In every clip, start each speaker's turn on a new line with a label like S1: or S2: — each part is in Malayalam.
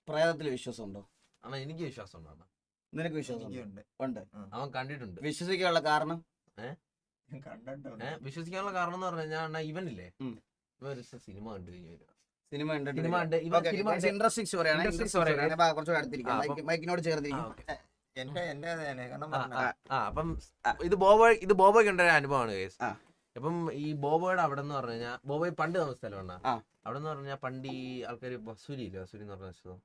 S1: പ്രേതത്തിൽ വിശ്വാസമുണ്ടോ?
S2: ആണോ? എനിക്ക് വിശ്വാസം ഉണ്ടാണ്.
S1: നിനക്ക് വിശ്വാസം ഉണ്ട്?
S2: അവൻ കണ്ടിട്ടുണ്ട്.
S1: വിശ്വസിക്കാനുള്ള കാരണം?
S2: വിശ്വസിക്കാനുള്ള കാരണം എന്ന് പറഞ്ഞു കഴിഞ്ഞാൽ ഇവനില്ലേ, ഇവ ഒരു സിനിമ കണ്ടു കഴിഞ്ഞു.
S1: സിനിമ
S2: ഇൻട്രസ്റ്റിംഗ്
S1: മൈക്കിനോട് ചേർത്തിരിക്കും.
S2: അപ്പം ഇത് ബോബോയ്ക്ക് ഉണ്ടായ അനുഭവമാണ് കേസ്. അപ്പം ഈ ബോബോയുടെ അവിടെ എന്ന് പറഞ്ഞു കഴിഞ്ഞാൽ, ബോബോയ് പണ്ട് താമസ സ്ഥലമാണ്. അവിടെ എന്ന് പറഞ്ഞാൽ പണ്ട് ഈ ആൾക്കാർ വസൂരി ഇല്ല, വസൂരി എന്ന് പറഞ്ഞ സ്ഥലം,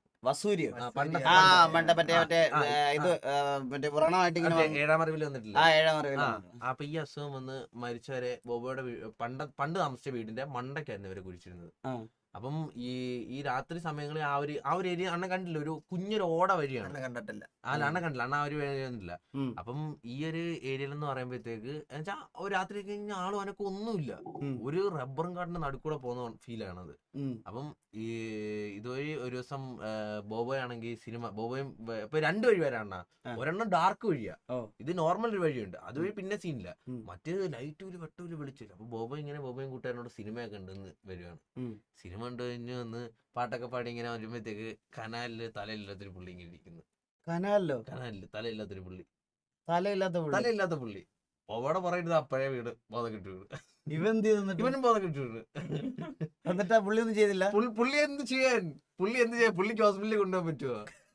S2: ഏഴാം അറിവിൽ വന്നിട്ടില്ല. അപ്പൊ ഈ അസുഖം വന്ന് മരിച്ചവരെ ബോബോയുടെ പണ്ട് താമസിച്ച വീടിന്റെ മണ്ടയ്ക്കായിരുന്നു ഇവരെ കുഴിച്ചിരുന്നത്. അപ്പം ഈ രാത്രി സമയങ്ങളിൽ ആ ഒരു ഏരിയ അണ്ണൻ കണ്ടില്ല, ഒരു കുഞ്ഞൊരു ഓട വഴിയാണ്.
S3: കണ്ടിട്ടില്ല.
S2: അണ്ണൻ കണ്ടില്ല, അണ്ണ ആ ഒരു വഴിയൊന്നുമില്ല. അപ്പം ഈ ഒരു ഏരിയയിൽ എന്ന് പറയുമ്പോഴത്തേക്ക് എന്നുവെച്ചാ ഒരു രാത്രി കഴിഞ്ഞ ആളും അനക്കും ഒന്നുമില്ല, ഒരു റബ്ബറും കാട്ടിന്റെ നടുക്കൂടെ പോകുന്ന ഫീലാണത്. അപ്പം ഈ ഇതുവഴി ഒരു ദിവസം ബോബോയ് ആണെങ്കിൽ ബോബോയും ഇപ്പൊ 2 വഴി വരാണ്ണ. ഒരെണ്ണം ഡാർക്ക് വഴിയാ, ഇത് നോർമൽ ഒരു വഴിയുണ്ട്, അതുവഴി പിന്നെ സീനില്ല. മറ്റേത് ലൈറ്റൂല് വെട്ടൂല് വിളിച്ചില്ല. അപ്പൊ ബോബോയും കൂട്ടുകാരനോട് സിനിമയൊക്കെ ഉണ്ടെന്ന് വരുവാണ്. സിനിമ കണ്ടു കഴിഞ്ഞ് വന്ന് പാട്ടൊക്കെ പാടി ഇങ്ങനെ വരുമ്പോഴത്തേക്ക് കനാലില് തലയില്ലാത്തൊരു പുള്ളി ഇങ്ങനെ ഇരിക്കുന്നു. കനാലില് തലയില്ലാത്തൊരു പുള്ളി, തലയില്ലാത്ത പുള്ളി. ബോബോടെ പറയുന്നത് അപ്പഴേ വീട് ബോധം കിട്ടി വീട്. ഇവനും ബോധം കിട്ടി വീട്.
S1: എന്നിട്ട് പുള്ളി ഒന്നും ചെയ്തില്ല.
S2: പുള്ളി എന്ത് ചെയ്യാൻ? പുള്ളിക്ക് ഹോസ്പിറ്റലിൽ കൊണ്ടുപോകാൻ പറ്റുമോ?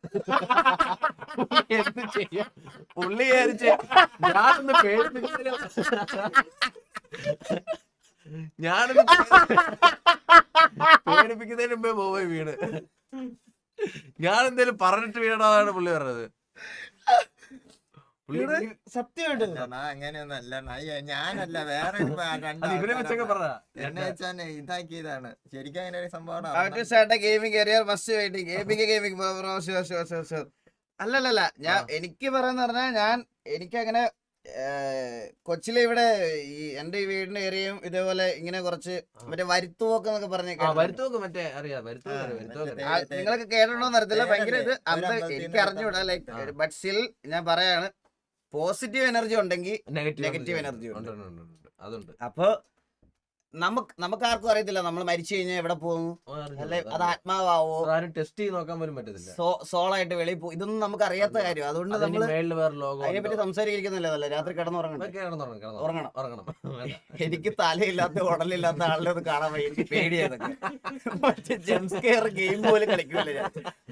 S2: എന്ത് ചെയ്യാൻ? പുള്ളി ഞാനൊന്ന് പേടിപ്പിക്കുന്നതിന് മുമ്പേ ബോബോയ് വീണ്. ഞാൻ എന്തേലും പറഞ്ഞിട്ട് വീണതാണ് പുള്ളി പറഞ്ഞത്.
S1: സത്യമായിട്ട്
S3: അങ്ങനെയൊന്നല്ല, ഞാനല്ല, വേറെ ഇതാക്കിയതാണ് ശരിക്കും. അങ്ങനെ ഒരു സംഭവം
S1: അല്ലല്ല. എനിക്ക് പറയാന്ന് പറഞ്ഞാൽ എനിക്കങ്ങനെ കൊച്ചിലെ ഇവിടെ ഈ എന്റെ ഈ വീടിന്റെ ഏരിയയും ഇതേപോലെ ഇങ്ങനെ കുറച്ച് മറ്റേ വരുത്തുപോക്ക് എന്നൊക്കെ നിങ്ങളൊക്കെ കേട്ടിട്ടുണ്ടോന്ന് അറിയത്തില്ല. ഭയങ്കര ഇത് എനിക്ക് അറിഞ്ഞൂടാ. ലൈക്ക് ബട്ട് സ്റ്റിൽ ഞാൻ പറയാണ്, പോസിറ്റീവ് എനർജി ഉണ്ടെങ്കിൽ നെഗറ്റീവ് എനർജി ഉണ്ട്. അപ്പൊ നമുക്ക് ആർക്കും അറിയത്തില്ല നമ്മൾ മരിച്ചു കഴിഞ്ഞാൽ എവിടെ പോകുന്നു, അല്ലെ അത് ആത്മാവോ
S2: ടെസ്റ്റ് ചെയ്ത് നോക്കാൻ പോലും പറ്റത്തില്ല,
S1: സോളായിട്ട് വെളിയിൽ പോകും, ഇതൊന്നും നമുക്ക് അറിയാത്ത കാര്യം. അതുകൊണ്ട് നമ്മൾ അതിനെപ്പറ്റി സംസാരിക്കുന്നില്ല. രാത്രി കിടന്നുറങ്ങണം. എനിക്ക് തലയില്ലാത്ത ഉടലില്ലാത്ത ആളിനെ ഒന്ന് കാണാൻ വയ്യ, എനിക്ക് പേടിയാതൊക്കെ. മറ്റേ ജംസ്കെയർ ഗെയിം പോലും കളിക്കൂല ഞാൻ.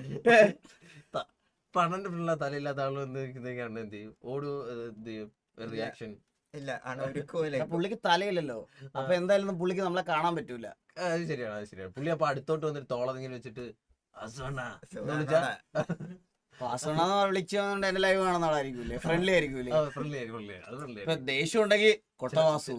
S2: പണന്റെ തലയില്ലാത്ത ആള് എന്ത് ചെയ്യും? ഓടു റിയാക്ഷൻ
S3: ഇല്ല.
S1: പുള്ളിക്ക് തലയില്ലല്ലോ, അപ്പൊ എന്തായാലും പുള്ളിക്ക് നമ്മളെ കാണാൻ പറ്റൂല.
S2: അത് ശരിയാണ്. പുള്ളി അപ്പൊ അടുത്തോട്ട് വന്നിട്ട് തോളതിങ്ങനെ വെച്ചിട്ട്
S1: വിളിച്ചുകൊണ്ട് എന്റെ ലൈവ് കാണുന്ന ആളായിരിക്കൂലേ, ഫ്രണ്ട്ലി ആയിരിക്കൂലേ. ദേഷ്യം ഉണ്ടെങ്കിൽ കൊട്ടവാസു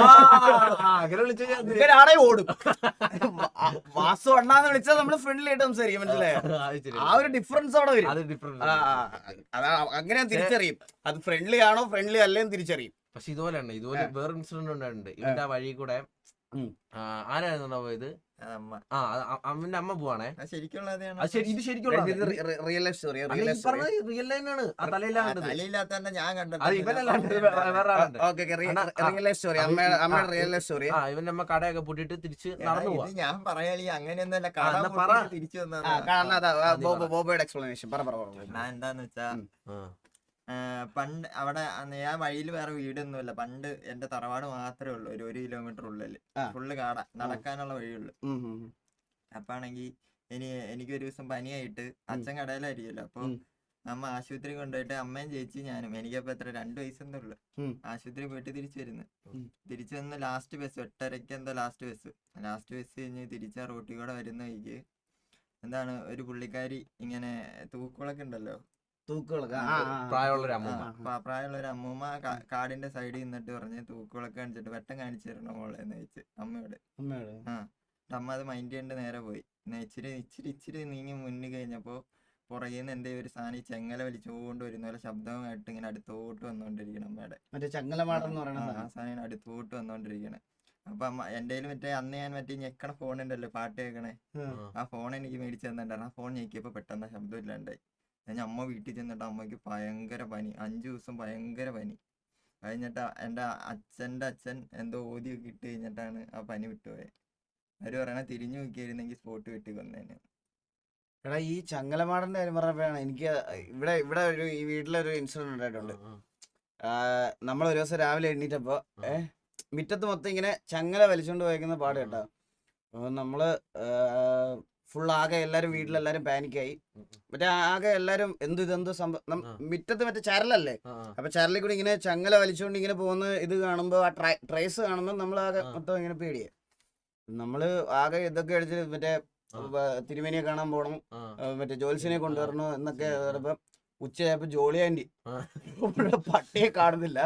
S1: ആണെ ഓടും. വാസു അണ്ണാന്ന് വിളിച്ചാൽ നമ്മള് ഫ്രണ്ട്ലി ആയിട്ട് സംസാരിക്കും, മനസ്സിലായോ? ആ ഒരു ഡിഫറൻസ് അവിടെ വരും. അങ്ങനെ തിരിച്ചറിയും, അത് ഫ്രണ്ട്ലി ആണോ ഫ്രണ്ട്ലി അല്ലേന്ന് തിരിച്ചറിയും.
S2: പക്ഷെ ഇതുപോലെ വേറെ ഇൻസിഡന്റ് ഉണ്ടായിട്ടുണ്ട്. ഇവന്റെ ആ വഴി കൂടെ ആരായിരുന്നു പോയത്? അവന്റെ അമ്മ പോവാണേ. ഇത് ശരിക്കും
S1: റിയൽ ലൈഫ് സ്റ്റോറി.
S2: റിയൽ ലൈനാണ്. ആ തലയില്ലാത്ത
S3: ഞാൻ കണ്ടത്
S1: റിയൽ ലൈഫ് സ്റ്റോറി.
S2: ഇവന്റെ അമ്മ കടയൊക്കെ പൂട്ടിട്ട് തിരിച്ച് നടന്നു പോവാ.
S3: ഞാൻ പറയാ അങ്ങനെയൊന്നല്ല, തിരിച്ചു
S1: ബോബോയുടെ എക്സ്പ്ലനേഷൻ
S3: എന്താന്ന് വെച്ചാ, പണ്ട് അവിടെ ഞാൻ വഴിയിൽ വേറെ വീടൊന്നുമില്ല. പണ്ട് എന്റെ തറവാട് മാത്രമേ ഉള്ളൂ, ഒരു 1 കിലോമീറ്റർ ഉള്ളില് ഫുള്ള് കാട, നടക്കാനുള്ള വഴിയുള്ളു. അപ്പാണെങ്കി എനിക്കൊരു ദിവസം പനിയായിട്ട് അച്ഛൻ കടയിലായിരിക്കുമല്ലോ. അപ്പൊ അമ്മ ആശുപത്രി കൊണ്ടുപോയിട്ട് അമ്മയും ചേച്ചി ഞാനും, എനിക്കപ്പോ എത്ര 2 വയസ്സെന്നുള്ളു, ആശുപത്രി പോയിട്ട് തിരിച്ചു വന്ന് ലാസ്റ്റ് ബസ് 8:30 എന്തോ ലാസ്റ്റ് ബസ് കഴിഞ്ഞ് തിരിച്ച റോട്ടിൽ കൂടെ വരുന്ന വഴിക്ക് എന്താണ് ഒരു പുള്ളിക്കാരി ഇങ്ങനെ തൂക്കുകളൊക്കെ ഉണ്ടല്ലോ,
S2: പ്രായമുള്ളൊരു
S3: അമ്മൂമ്മ കാടിന്റെ സൈഡിൽ നിന്നിട്ട് പറഞ്ഞ് തൂക്കുകളൊക്കെ കാണിച്ചിട്ട് വെട്ടം കാണിച്ചു തരണം മോളെന്ന് വെച്ച് അമ്മയോട്. അമ്മ അത് മൈൻഡ് ചെയ്യേണ്ട നേരെ പോയി. ഇച്ചിരി നീങ്ങി മുന്നിൽ കഴിഞ്ഞപ്പോ പുറകേന്ന് എന്തേ ഒരു സാധനം ഈ ചെങ്ങല വലിച്ചുകൊണ്ട് വരുന്ന പോലെ ശബ്ദമായിട്ട് ഇങ്ങനെ അടുത്തോട്ട് വന്നോണ്ടിരിക്കണം അമ്മയുടെ. ആ സാധനം അടുത്തോട്ട് വന്നോണ്ടിരിക്കണേ. അപ്പൊ അമ്മ എന്റെ മറ്റേ അന്ന് ഞാൻ മറ്റേ ഞെക്കണ ഫോൺ ഉണ്ടല്ലോ പാട്ട് കേൾക്കണേ, ആ ഫോൺ എനിക്ക് മേടിച്ചു തന്നിട്ടുണ്ടായിരുന്നു. ആ ഫോൺ ഞെക്കിയപ്പോ പെട്ടെന്ന് ശബ്ദം ഇല്ലാണ്ടായി. ഞാൻ അമ്മ വീട്ടിൽ ചെന്നിട്ട് അമ്മയ്ക്ക് ഭയങ്കര പനി, 5 ദിവസം ഭയങ്കര പനി. കഴിഞ്ഞിട്ട് എന്റെ അച്ഛന്റെ അച്ഛൻ എന്തോ ഓതിയൊക്കെ ഇട്ട് കഴിഞ്ഞിട്ടാണ് ആ പനി വിട്ടുപോയത്. അവര് പറയണ തിരിഞ്ഞു നോക്കിയായിരുന്നെങ്കിൽ സ്പോട്ട് വെട്ടി കൊന്നേനെ.
S1: എടാ ഈ ചങ്ങലമാടന്റെ കാര്യം പറഞ്ഞപ്പോഴാണ് എനിക്ക് ഇവിടെ ഒരു ഈ വീട്ടിലൊരു ഇൻസിഡന്റ് ഉണ്ടായിട്ടുണ്ട്. നമ്മൾ ഒരു ദിവസം രാവിലെ എണ്ണീറ്റപ്പോ മുറ്റത്ത് മൊത്തം ഇങ്ങനെ ചങ്ങല വലിച്ചുകൊണ്ട് പോയിരിക്കുന്ന പാട് കേട്ടോ. അപ്പൊ നമ്മള് ഫുൾ ആകെ എല്ലാരും വീട്ടിലെല്ലാരും പാനിക്കായി. മറ്റേ ആകെ എല്ലാരും എന്ത് സംഭവം മുറ്റത്ത് മറ്റേ ചരലല്ലേ, അപ്പൊ ചരലിൽ കൂടി ഇങ്ങനെ ചങ്ങല വലിച്ചുകൊണ്ട് ഇങ്ങനെ പോകുന്ന ഇത് കാണുമ്പോ ആ ട്രേസ് കാണുമ്പോ നമ്മൾ ആകെ മൊത്തം ഇങ്ങനെ പേടിയായി. നമ്മള് ആകെ ഇതൊക്കെ അടിച്ച് മറ്റേ തിരുമേനിയെ കാണാൻ പോണം, മറ്റേ ജോത്സ്യനെ കൊണ്ടുവരണോ എന്നൊക്കെ പറയുമ്പോ ഉച്ചയായപ്പോ ജോളി ആന്റി പട്ടിയെ കാണുന്നില്ല,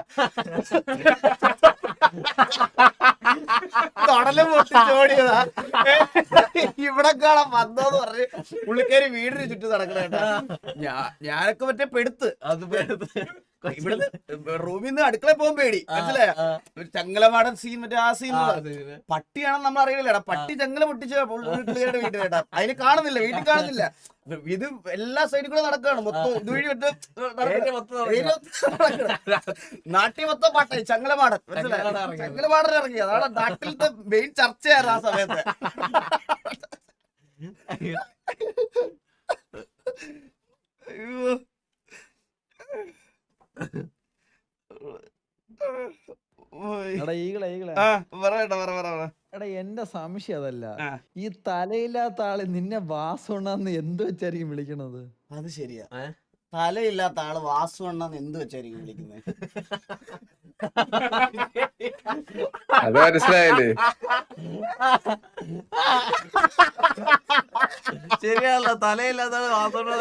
S1: തൊടലും പൊട്ടിച്ചോടിയതാ, ഇവിടെ കാണാൻ വന്നോന്ന് പറഞ്ഞ് പുള്ളിക്കാരി വീടിന് ചുറ്റും നടക്കണേട്ടാ. ഞാനൊക്കെ മറ്റേ പെടുത്ത് ഇവിടുന്ന് റൂമിൽ നിന്ന് അടുക്കള പോകാൻ പേടി, മനസ്സിലായ? ചങ്ങലമാടൻ സീൻ മറ്റേ ആ സീൻ പട്ടിയാണെന്ന് നമ്മൾ അറിയില്ലടാ. പട്ടി ചങ്ങല പൊട്ടിച്ച പുള്ളിക്കാരുടെ വീട്ടിലേട്ടാ, അതിന് കാണുന്നില്ല, വീട്ടിൽ കാണുന്നില്ല. ഇത് എല്ലാ സൈഡിൽ കൂടെ നടക്കുകയാണ് മൊത്തം. ഇതുവഴി നാട്ടിൽ മൊത്തം പാട്ടായി ചങ്ങലമാടൻ, മനസ്സിലായി? ചങ്ങലമാടൻ ഇറങ്ങി, അതാണ് നാട്ടിലത്തെ മെയിൻ ചർച്ചയായിരുന്നു ആ സമയത്ത്. അയ്യോ
S4: എടാ എന്റെ സംശയം അതല്ല, ഈ തലയില്ലാത്ത ആള് നിന്നെ വാസുണ്ണാന്ന് എന്ത് വെച്ചായിരിക്കും വിളിക്കണത്?
S1: അത് ശരിയാ, തലയില്ലാത്ത ആള് വാസുണ്ണാന്ന് എന്ത് വെച്ചായിരിക്കും വിളിക്കുന്നത്?
S5: അത് മനസ്സിലായില്ലേ?
S2: ശരിയാണല്ലോ, തലയില്ലാത്ത ആള്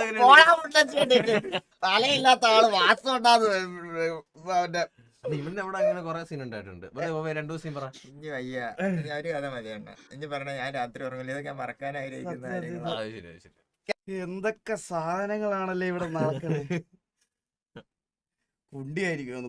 S1: തലയില്ലാത്ത ആള് വാസുണ്ണാന്ന്
S2: ഇവന്റെ അവിടെ അങ്ങനെ കൊറേ സീൻ ഉണ്ടായിട്ടുണ്ട്. രണ്ടു സീൻ പറ.
S3: ഇനി വയ്യ, ഒരു കഥ മതിയണ്ട. ഇനി പറഞ്ഞ ഞാൻ രാത്രി ഉറങ്ങില്ല, ഇതൊക്കെ മറക്കാൻ ആഗ്രഹിക്കുന്ന കാര്യങ്ങളാണ്.
S1: എന്തൊക്കെ സാധനങ്ങളാണല്ലേ ഇവിടെ നടക്കുന്നത്. കുണ്ടിയായിരിക്കും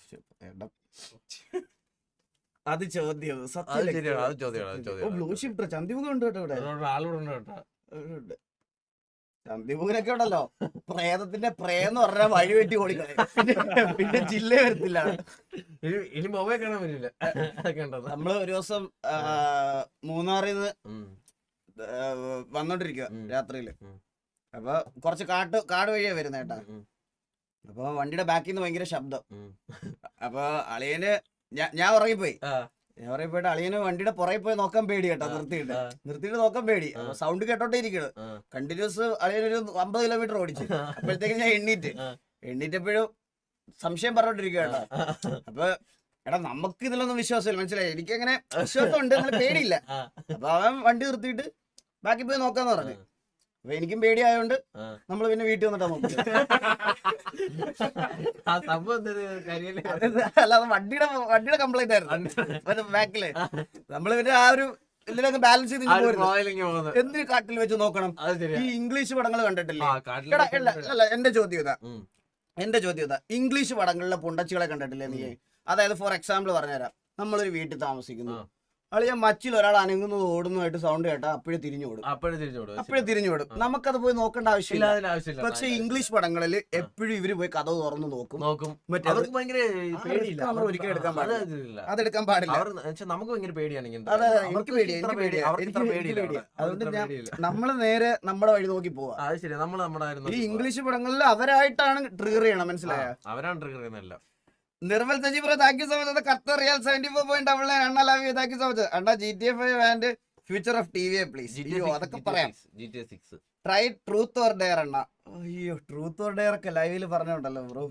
S1: അത് ചോദ്യം. ബ്ലൂ ഷിഫ്റ്റർ ചന്തിമുഖം ഉണ്ട് കേട്ടോ ഇവിടെ. ചന്തിമുഖനൊക്കെ ഉണ്ടല്ലോ, പ്രേതത്തിന്റെ പ്രേന്ന് പറഞ്ഞാൽ വഴി വെട്ടി ഓടിക്കളയും, പിന്നെ ജില്ല വരത്തില്ല.
S2: ഇനി മൊബൈൽ കാണാൻ പറ്റില്ല.
S1: നമ്മള് ഒരു ദിവസം മൂന്നാറിൽ നിന്ന് വന്നോണ്ടിരിക്കുക രാത്രിയില്. അപ്പൊ കുറച്ച് കാട് വഴിയാ വരുന്ന കേട്ടാ. അപ്പൊ വണ്ടിയുടെ ബാക്കിൽ നിന്ന് ഭയങ്കര ശബ്ദം. അപ്പൊ അളിയന് ഞാൻ ഉറങ്ങിപ്പോയി. പോയിട്ട് അളിയന് വണ്ടിയുടെ പുറകെ പോയി നോക്കാൻ പേടി കേട്ടോ. നിർത്തിയിട്ട് നോക്കാൻ പേടി. അപ്പൊ സൗണ്ട് കേട്ടോട്ടേ ഇരിക്കണ്. കണ്ടിന്യൂസ് അളിയനൊരു 50 കിലോമീറ്റർ ഓടിച്ചു. അപ്പോഴത്തേക്ക് ഞാൻ എണ്ണീറ്റപ്പോഴും സംശയം പറഞ്ഞോണ്ടിരിക്കുക കേട്ടോ. അപ്പൊ എടാ നമുക്ക് ഇതിലൊന്നും വിശ്വാസമില്ല, മനസ്സിലായി? എനിക്കങ്ങനെ വിശ്വാസമുണ്ട്, അങ്ങനെ പേടിയില്ല. അപ്പൊ അവൻ വണ്ടി നിർത്തിയിട്ട് ബാക്കി പോയി നോക്കാന്ന് പറഞ്ഞു. അപ്പൊ എനിക്കും പേടിയായോണ്ട് നമ്മള് പിന്നെ വീട്ടിൽ വന്നിട്ടാ നോക്കി. അല്ലാതെ വണ്ടിയുടെ കംപ്ലൈന്റ് ആയിരുന്നു ബാക്കില്. നമ്മള് പിന്നെ ആ ഒരു ഇതിലൊക്കെ ബാലൻസ് ചെയ്ത് എന്തിന് കാട്ടിൽ വെച്ച് നോക്കണം? ഈ ഇംഗ്ലീഷ് പടങ്ങൾ കണ്ടിട്ടില്ലേ? അല്ല, എന്റെ ചോദ്യം ഇതാ, ഇംഗ്ലീഷ് പടങ്ങളിലെ പുണ്ടച്ചികളെ കണ്ടിട്ടില്ലേ നീ? അതായത് ഫോർ എക്സാമ്പിൾ പറഞ്ഞുതരാം. നമ്മളൊരു വീട്ടിൽ താമസിക്കുന്നു, അളിയ മച്ചിൽ ഒരാൾ അനങ്ങുന്നത് ഓടുന്നതായിട്ട് സൗണ്ട് കേട്ടാ അപ്പോഴേ തിരിഞ്ഞോടും. നമുക്കത് പോയി നോക്കേണ്ട ആവശ്യമില്ല. പക്ഷെ ഇംഗ്ലീഷ് പടങ്ങളിൽ എപ്പോഴും ഇവര് പോയി കഥ തുറന്നു നോക്കും. ഒരിക്കലും എടുക്കാൻ പാടില്ല, അതെടുക്കാൻ പാടില്ല.
S2: നമുക്ക് ഭയങ്കര പേടിയാണ്.
S1: എനിക്ക് പേടിയാ. അതുകൊണ്ട് നമ്മള് നേരെ നമ്മുടെ വഴി നോക്കി പോവാ. ഈ ഇംഗ്ലീഷ് പടങ്ങളിൽ അവരായിട്ടാണ് ട്രിഗർ ചെയ്യണം, മനസ്സിലായ?
S2: അവരാണ് ട്രിഗർ ചെയ്യുന്നതല്ല.
S1: Nirmal Saji bro, thank you so much. Qatar riyal 74.99 അണ്ണ love you, thank you so much. അണ്ണ GTA 5 and future of TV please. അതൊക്കെ പറയാം. ട്രൈ ട്രൂത്ത് ഓർ ഡെയർ അണ്ണ. അയ്യോ, ട്രൂത്ത് ഓർ ഡെയർ ഒക്കെ ലൈവില് പറഞ്ഞോണ്ടല്ലോ ബ്രോ.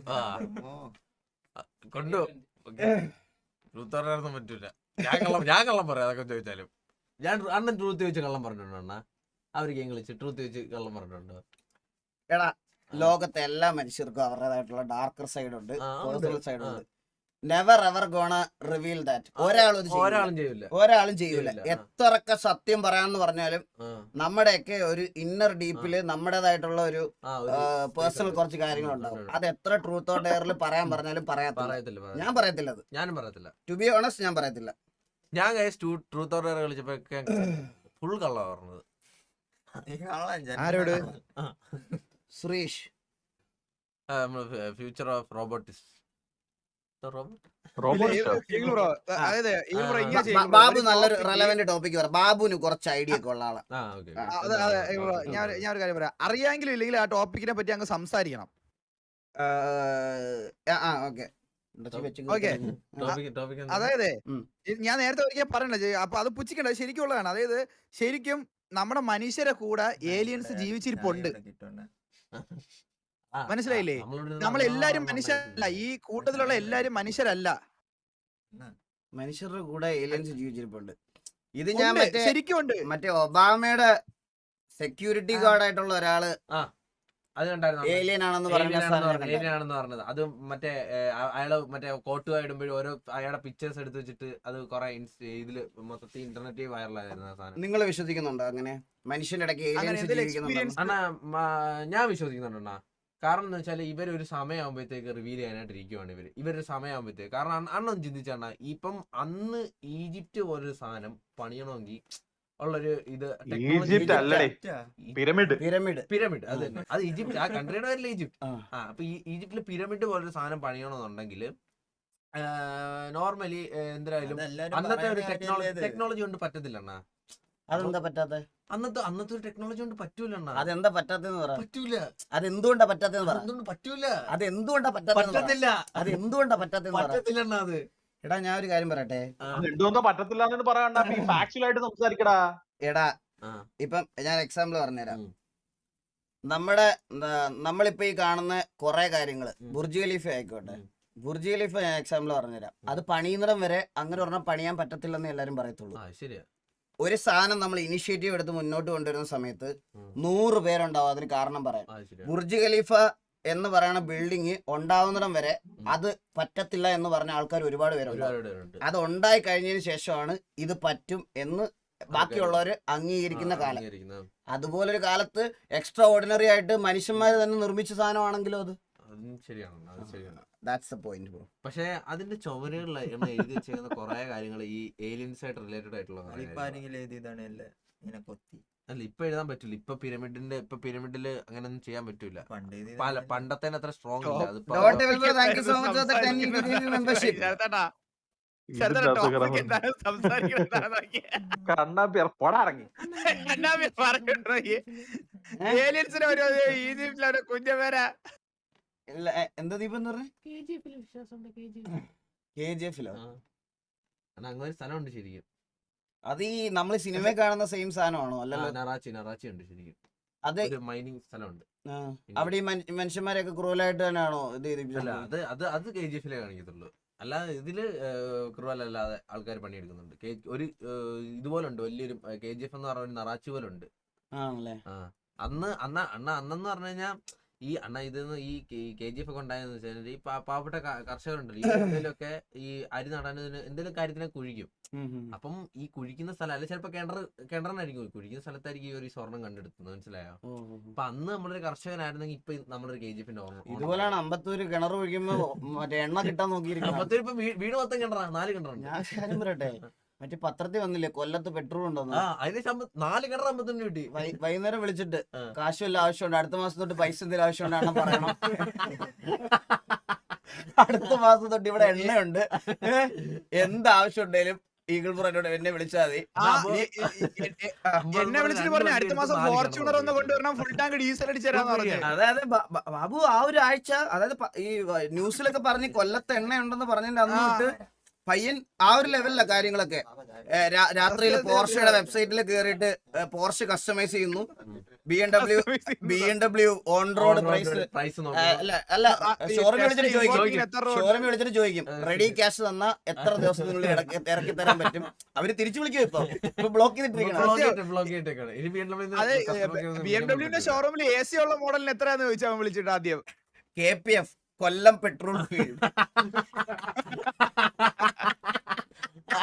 S2: കൊണ്ടു ട്രൂത്ത് പറയാനൊന്നും പറ്റൂല. ഞാൻ കള്ളം പറയാം, അതൊക്കെ ചോദിച്ചാലും. അണ്ണൻ ട്രൂത്ത് ചോദിച്ച് കള്ളം പറഞ്ഞിട്ടുണ്ടോ? അണ്ണ അവർക്ക് ഇംഗ്ലീഷ് ട്രൂത്ത് ചോദിച്ച് കള്ളം പറഞ്ഞിട്ടുണ്ടോ?
S1: എടാ, ലോകത്തെ എല്ലാ മനുഷ്യർക്കും അവരുടേതായിട്ടുള്ള ഡാർക്കർ സൈഡ് ഉണ്ട്, പേഴ്സണൽ സൈഡ് ഉണ്ട്. Never ever gonna reveal that. ഒരാളും ചെയ്യൂല. എത്രയൊക്കെ സത്യം പറയാന്ന് പറഞ്ഞാലും നമ്മുടെയൊക്കെ ഒരു ഇന്നർ ഡീപ്പില് നമ്മുടേതായിട്ടുള്ള ഒരു പേഴ്സണൽ കുറച്ച് കാര്യങ്ങളുണ്ടാവും. അത് എത്ര ട്രൂത്ത് ഓർ ഡെയറിൽ പറയാൻ പറഞ്ഞാലും പറയത്തില്ല. ഞാൻ പറയത്തില്ല. അത്
S2: ഞാനും പറയത്തില്ല.
S1: ടു ബി ഓണസ്റ്റ്, ഞാൻ പറയത്തില്ല.
S2: ഞാൻ ട്രൂത്ത് ഓർ ഡെയർ കളിച്ചപ്പോ ഫുൾ കള്ള പറഞ്ഞത്.
S1: ആരോട്? സുരേഷ്.
S2: Future of robotics.
S6: അതായത് ഇങ്ങനെ ചെയ്യും
S1: ബാബു നല്ലൊരു റെലവെന്റ് ടോപ്പിക് പറ. ബാബുവിന് കുറച്ച് ഐഡിയ ഒക്കെ ഉള്ള ആളാ.
S6: ഞാൻ ഒരു കാര്യം പറയാം, അറിയാമെങ്കിലും ഇല്ലെങ്കിൽ ആ ടോപ്പിക്കിനെ പറ്റി അങ്ങ് സംസാരിക്കണം. അതായത് ഞാൻ നേരത്തെ ഒരിക്കൽ പറയണേ, അപ്പൊ അത് പുച്ഛിക്കണ്ട, ശരിക്കുള്ളതാണ്. അതായത് ശരിക്കും നമ്മുടെ മനുഷ്യരെ കൂടെ ഏലിയൻസ് ജീവിച്ചിരിപ്പുണ്ട്, മനസ്സിലായില്ലേ? നമ്മളെല്ലാരും മനുഷ്യരല്ല, ഈ കൂട്ടത്തിലുള്ള എല്ലാരും മനുഷ്യരല്ല.
S1: മനുഷ്യരുടെ കൂടെ ഏലിയൻസ് ജീവിച്ചിരിപ്പുണ്ട്. ഇത് ഞാൻ
S6: ശരിക്കും ഉണ്ട്.
S1: മറ്റേ ഒബാമയുടെ സെക്യൂരിറ്റി ഗാർഡ് ആയിട്ടുള്ള ഒരാള്
S2: അത്
S1: ഏലിയൻ ആണെന്ന്
S2: പറഞ്ഞത്. അത് മറ്റേ അയാള് മറ്റേ കോട്ടുക ഇടുമ്പോഴും ഓരോ അയാളുടെ പിക്ചേഴ്സ് എടുത്ത് വെച്ചിട്ട് അത് കുറെ ഇതില് മൊത്തത്തിൽ ഇന്റർനെറ്റ് വൈറലായിരുന്നു ആ സാധനം.
S1: നിങ്ങൾ വിശ്വസിക്കുന്നുണ്ടോ അങ്ങനെ മനുഷ്യന്റെ ഇടയ്ക്ക് ഏലിയൻസ് ജീവിക്കുന്നുണ്ടോ?
S2: അണ്ണാ ഞാൻ വിശ്വസിക്കുന്നുണ്ടോ? കാരണം എന്ന് വെച്ചാൽ ഇവരൊരു സമയമാകുമ്പോഴത്തേക്ക് റിവീൽ ചെയ്യാനായിട്ട് ഇരിക്കുവാണ് ഇവരൊരു സമയമാകുമ്പോഴത്തേക്ക്. കാരണം അണ്ണൊന്ന് ചിന്തിച്ചാണ്, ഇപ്പം അന്ന് ഈജിപ്റ്റ് പോലൊരു സാധനം പണിയണമെങ്കിൽ ഉള്ളൊരു ഇത് പിരമിഡ് അത് തന്നെ, അത് ഈജിപ്റ്റ്, ആ കൺട്രിയുടെ പേരില്ല ഈജിപ്റ്റ്. അപ്പൊ ഈ ഈജിപ്തില് പിരമിഡ് പോലൊരു സാധനം പണിയണമെന്നുണ്ടെങ്കിൽ നോർമലി എന്തായാലും അന്നത്തെ ഒരു ടെക്നോളജി കൊണ്ട് പറ്റത്തില്ല അണ്ണാ.
S1: അതെന്താ പറ്റാത്ത?
S2: അന്നത്തെ ഒരു ടെക്നോളജി കൊണ്ട് പറ്റൂല അണ്ണാ.
S1: അതെന്താ പറ്റാത്തെന്ന് പറ.
S2: പറ്റൂല.
S1: അതെന്തുകൊണ്ടാ പറ്റാത്തെന്ന് പറ.
S2: പറ്റൂല.
S1: അതെന്തുകൊണ്ടാ പറ്റത്തില്ല? അതെന്തുകൊണ്ടാ പറ്റാത്തെന്ന്
S2: പറ്റത്തില്ല അണ്ണാ. അത്
S1: എടാ ഞാൻ ഒരു കാര്യം പറയട്ടെ.
S7: പറ്റത്തില്ല പറയണ്ട, ഫാക്ച്വലായിട്ട് സംസാരിക്കടാ.
S1: എടാ ഇപ്പം ഞാൻ എക്സാമ്പിൾ പറഞ്ഞുതരാം. നമ്മളിപ്പോ ഈ കാണുന്ന കുറെ കാര്യങ്ങള്, ബുർജ് ഖലീഫ ആയിക്കോട്ടെ, ബുർജ് ഖലീഫ ഞാൻ എക്സാമ്പിൾ പറഞ്ഞുതരാം. അത് പണിയുന്നിടം വരെ അങ്ങനെ പറഞ്ഞാൽ പണിയാൻ പറ്റത്തില്ലെന്ന് എല്ലാരും പറയത്തുള്ളൂ. ഒരു സാധനം നമ്മൾ ഇനിഷ്യേറ്റീവ് എടുത്ത് മുന്നോട്ട് കൊണ്ടുവരുന്ന സമയത്ത് 100 പേരുണ്ടാവും അതിന് കാരണം പറയാൻ. ബുർജ് ഖലീഫ എന്ന് പറയുന്ന ബിൽഡിങ് ഉണ്ടാവുന്നിടം വരെ അത് പറ്റത്തില്ല എന്ന് പറഞ്ഞ ആൾക്കാർ ഒരുപാട് പേരുണ്ട്. അത് ഉണ്ടായി കഴിഞ്ഞതിന് ശേഷമാണ് ഇത് പറ്റും എന്ന് ബാക്കിയുള്ളവര് അംഗീകരിക്കുന്ന കാലം. അതുപോലൊരു കാലത്ത് എക്സ്ട്രാ ഓർഡിനറി ആയിട്ട് മനുഷ്യന്മാര് തന്നെ നിർമ്മിച്ച സാധനമാണെങ്കിലോ അത്
S2: ശരിയാണ്.
S1: That's the point bro.
S2: പക്ഷെ അതിന്റെ ചുവരുകളിൽ എഴുതി വെച്ചിരിക്കുന്ന കുറെ കാര്യങ്ങൾ ഈ ഏലിയൻസ് ആയിട്ട് റിലേറ്റഡ് ആയിട്ടുള്ള അല്ല ഇപ്പൊ എഴുതാൻ പറ്റില്ല. ഇപ്പൊ പിരമിഡില് അങ്ങനെയൊന്നും ചെയ്യാൻ പറ്റൂല. പണ്ടത്തെ അത്ര സ്ട്രോങ് ഇല്ല.
S6: കുഞ്ഞപേരാ
S1: എന്താ ദീപം പറഞ്ഞ KGF-ലോ?
S2: അങ്ങനെ സ്ഥലമുണ്ട് ശരിക്കും.
S1: അത് ഈ നമ്മള് സിനിമ കാണുന്ന സെയിം സാധനമാണോ? അല്ലല്ലോ,
S2: നറാച്ചി ഉണ്ട് ശരിക്കും.
S1: അത്
S2: മൈനിങ് സ്ഥലമുണ്ട്
S1: അവിടെ. ഈ മനുഷ്യന്മാരെയൊക്കെ ക്രൂവലായിട്ട് തന്നെയാണോ ഇത്?
S2: അത് KGF-ലേ കാണിക്കത്തുള്ളൂ. അല്ല ഇതില് ക്രൂവൽ അല്ലാതെ ആൾക്കാർ പണിയെടുക്കുന്നുണ്ട്. ഒരു ഇതുപോലെ ഉണ്ട് വലിയൊരു KGF എന്ന് പറഞ്ഞ ഒരു നറാച്ചി പോലെ ഉണ്ട്. അന്നെന്ന് പറഞ്ഞു കഴിഞ്ഞാൽ ഈ ഇതെന്ന് ഈ KGF ഒക്കെ ഉണ്ടായെന്ന് വെച്ചാൽ ഈ പാവപ്പെട്ട കർഷകരുണ്ടല്ലോ, ഈ എന്തെങ്കിലുമൊക്കെ ഈ അരി നടാനതിന് എന്തെങ്കിലും കാര്യത്തിനെ കുഴിക്കും. അപ്പം ഈ കുഴിക്കുന്ന സ്ഥലം അല്ലെ ചിലപ്പോ കിണറിനായിരിക്കും, കുഴിക്കുന്ന സ്ഥലത്തായിരിക്കും ഈ ഒരു സ്വർണം കണ്ടെടുക്കുന്നത്, മനസ്സിലായോ? അപ്പൊ അന്ന് നമ്മളൊരു കർഷകനായിരുന്നെങ്കിൽ ഇപ്പൊ നമ്മളൊരു KGF-ന്റെ ഓർമ്മ.
S1: ഇതുപോലെയാണ് അമ്പത്തൂര് കിണർ ഒഴിക്കുമ്പോ മറ്റേ എണ്ണ കിട്ടാൻ നോക്കിയിരിക്കുന്നത്.
S2: അമ്പത്തൂര് ഇപ്പൊ വീട് മൊത്തം കിണറാ, 4 കിണറുണ്ട്.
S1: ഞാൻ കാര്യം പറയട്ടെ, മറ്റേ പത്രത്തിൽ വന്നില്ലേ കൊല്ലത്ത് പെട്രോൾ ഉണ്ടോന്ന്?
S2: അതിന് 4 കിണർ 51 കിട്ടി.
S1: വൈകുന്നേരം വിളിച്ചിട്ട് കാശുവല്ല ആവശ്യമുണ്ട്, അടുത്ത മാസം തൊട്ട് പൈസ എന്തെങ്കിലും ആവശ്യമുണ്ടാണ് പറയണം. അടുത്ത മാസം തൊട്ട് ഇവിടെ എണ്ണയുണ്ട്, എന്താവശ്യം ഉണ്ടെങ്കിലും ഈഗിൾ ബ്രോനോട് എന്നെ വിളിച്ചാൽ മതി.
S6: എന്നെ വിളിച്ചിട്ട് പറഞ്ഞു അടുത്ത മാസം ഫോർച്യൂണർ ഒന്ന് കൊണ്ടുവരണം, ഫുൾ ടാങ്ക് ഡീസൽ അടിച്ചേരാന്ന് പറഞ്ഞു.
S1: അതായത് ബാബു ആ ഒരു ആഴ്ച, അതായത് ഈ ന്യൂസിലൊക്കെ പറഞ്ഞ് കൊല്ലത്ത് എണ്ണ ഉണ്ടെന്ന് പറഞ്ഞതിന്റെ അന്ന് തൊട്ട് പയ്യൻ ആ ഒരു ലെവലിലെ കാര്യങ്ങളൊക്കെ. രാത്രിയിൽ പോർഷയുടെ വെബ്സൈറ്റിൽ കയറിയിട്ട് പോർഷ് കസ്റ്റമൈസ് ചെയ്യുന്നു. BMW ഓൺ റോഡ് പ്രൈസ് അല്ല ഷോറൂമിൽ വിളിച്ചിട്ട് ചോദിക്കും റെഡി ക്യാഷ് തന്നാ എത്ര ദിവസത്തിനുള്ളിൽ ഇറക്കി തരാൻ പറ്റും. അവര് തിരിച്ചു വിളിക്കും. ഇപ്പൊ ബ്ലോക്ക് ചെയ്തിട്ടിരിക്കണം.
S6: BMW ഷോറൂമിൽ AC ഉള്ള മോഡലിന് എത്രയാന്ന് ചോദിച്ചാൽ വിളിച്ചിട്ട് ആദ്യം
S1: KPF കൊല്ലം പെട്രോൾ ഫീൽഡ്.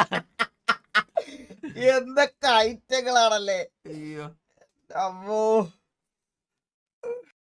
S1: എന്തൊക്കെ ഐറ്റങ്ങളാണല്ലേ. അമ്മോ